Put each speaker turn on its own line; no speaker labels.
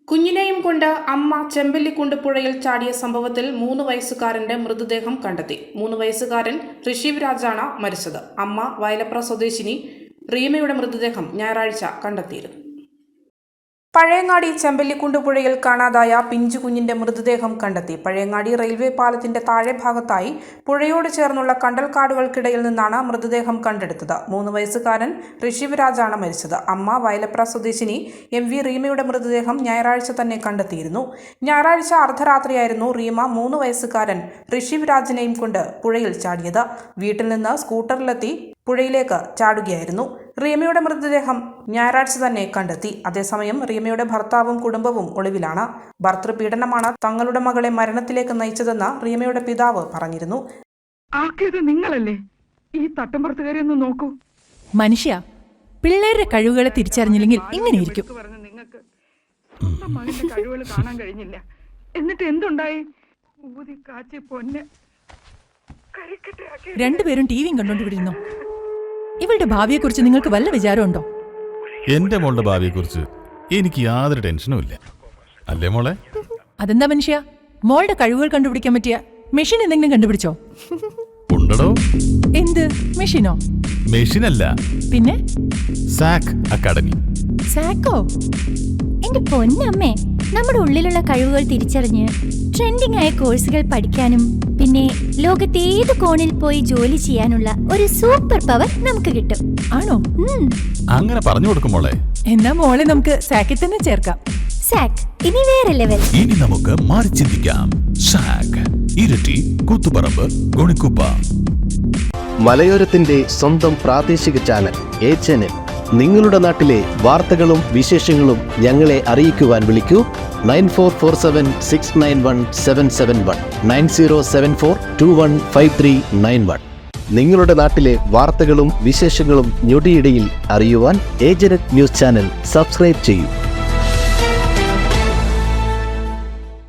കുഞ്ഞിനെയും കൊണ്ട് അമ്മ ചെമ്പല്ലിക്കുണ്ട് പുഴയിൽ ചാടിയ സംഭവത്തിൽ 3 വയസ്സുകാരന്റെ മൃതദേഹം കണ്ടെത്തി. 3 വയസ്സുകാരൻ ഋഷിവ് രാജാണ് മരിച്ചത്. അമ്മ വയലപ്ര സ്വദേശിനി റീമയുടെ മൃതദേഹം ഞായറാഴ്ച കണ്ടെത്തിയിരുന്നു. പഴയങ്ങാടി ചെമ്പല്ലിക്കുണ്ട് പുഴയിൽ കാണാതായ പിഞ്ചു കുഞ്ഞിന്റെ മൃതദേഹം കണ്ടെത്തി. പഴയങ്ങാടി റെയിൽവേ പാലത്തിന്റെ താഴെ ഭാഗത്തായി പുഴയോട് ചേർന്നുള്ള കണ്ടൽക്കാടുകൾക്കിടയിൽ നിന്നാണ് മൃതദേഹം കണ്ടെടുത്തത്. 3 വയസ്സുകാരൻ ഋഷിവ് രാജാണ് മരിച്ചത്. അമ്മ വയലപ്ര സ്വദേശിനി MV റീമയുടെ മൃതദേഹം ഞായറാഴ്ച തന്നെ കണ്ടെത്തിയിരുന്നു. ഞായറാഴ്ച അർദ്ധരാത്രിയായിരുന്നു റീമ 3 വയസ്സുകാരൻ ഋഷിവ് രാജിനെയും കൊണ്ട് പുഴയിൽ ചാടിയത്. വീട്ടിൽ നിന്ന് സ്കൂട്ടറിലെത്തി പുഴയിലേക്ക് ചാടുകയായിരുന്നു. റീമയുടെ മൃതദേഹം ഞായറാഴ്ച തന്നെ കണ്ടെത്തി. അതേസമയം റീമയുടെ ഭർത്താവും കുടുംബവും ഒളിവിലാണ്. ഭർതൃപീഡനമാണ് തങ്ങളുടെ മകളെ മരണത്തിലേക്ക് നയിച്ചതെന്ന് റീമയുടെ പിതാവ് പറഞ്ഞിരുന്നു.
നിങ്ങളല്ലേ ഈ തട്ടമ്പുറത്തുകാരി ഒന്ന് നോക്കൂ.
മനുഷ്യ പിള്ളേരുടെ കഴിവുകളെ തിരിച്ചറിഞ്ഞില്ലെങ്കിൽ ഇങ്ങനെയിരിക്കും.
നിങ്ങൾക്ക് മകന്റെ കഴിവുകൾ കാണാൻ കഴിഞ്ഞില്ല. എന്നിട്ട് എന്തുണ്ടായി? ഊതി കാച്ചി പൊന്നെ
രണ്ടുപേരും ടിവിയും കണ്ടോണ്ടിരുന്നു. ഇവളുടെ ഭാവിയെക്കുറിച്ച് നിങ്ങൾക്ക് വല്ല വിചാരമുണ്ടോ?
എന്റെ മോളുടെ ഭാവിയെക്കുറിച്ച് എനിക്ക് യാതൊരു ടെൻഷനും ഇല്ല. അല്ലേ മോളെ?
അതെന്താ മനുഷ്യ, മോളുടെ കഴിവുകൾ കണ്ടുപിടിക്കാൻ പറ്റിയ മെഷീൻ എന്തെങ്കിലും കണ്ടുപിടിച്ചോ?
ഉണ്ടോ?
എന്ത് മെഷീനോ?
മെഷീനല്ല,
പിന്നെ
സാക് അക്കാഡമി.
സാക്കോ?
എന്റെ പൊന്നമ്മേ, നമ്മുടെ ഉള്ളിലുള്ള കഴിവുകൾ തിരിച്ചറിഞ്ഞ് ട്രെൻഡിംഗ് ആയ കോഴ്സുകൾ പഠിക്കാനും പിന്നെ ലോകത്തെ ഏത് കോണിൽ പോയി ജോലി ചെയ്യാനുള്ള ഒരു സൂപ്പർ പവർ നമുക്ക് കിട്ടും.
ആണോ?
അങ്ങനെ പറഞ്ഞു കൊടുക്കും മോളെ.
എന്നാ മോളെ നമുക്ക് സാക്കിൽ തന്നെ ചേർക്കാം.
സാക് ഇനി വേറെ ലെവൽ.
ഇനി നമുക്ക് മാറി ചിന്തിക്കാം. സാക് ഇരട്ടി, കൂത്തുപറമ്പ്, ഗുണിക്കുപ്പ.
മലയോരത്തിന്റെ സ്വന്തം പ്രാദേശിക ചാനൽ HNN. നിങ്ങളുടെ നാട്ടിലെ വാർത്തകളും വിശേഷങ്ങളും ഞങ്ങളെ അറിയിക്കുവാൻ വിളിക്കൂ 9447691771 9074215391. നിങ്ങളുടെ നാട്ടിലെ വാർത്തകളും വിശേഷങ്ങളും ഞൊടിയിടയിൽ അറിയുവാൻ ഏജന്റ് ന്യൂസ് ചാനൽ സബ്സ്ക്രൈബ് ചെയ്യൂ.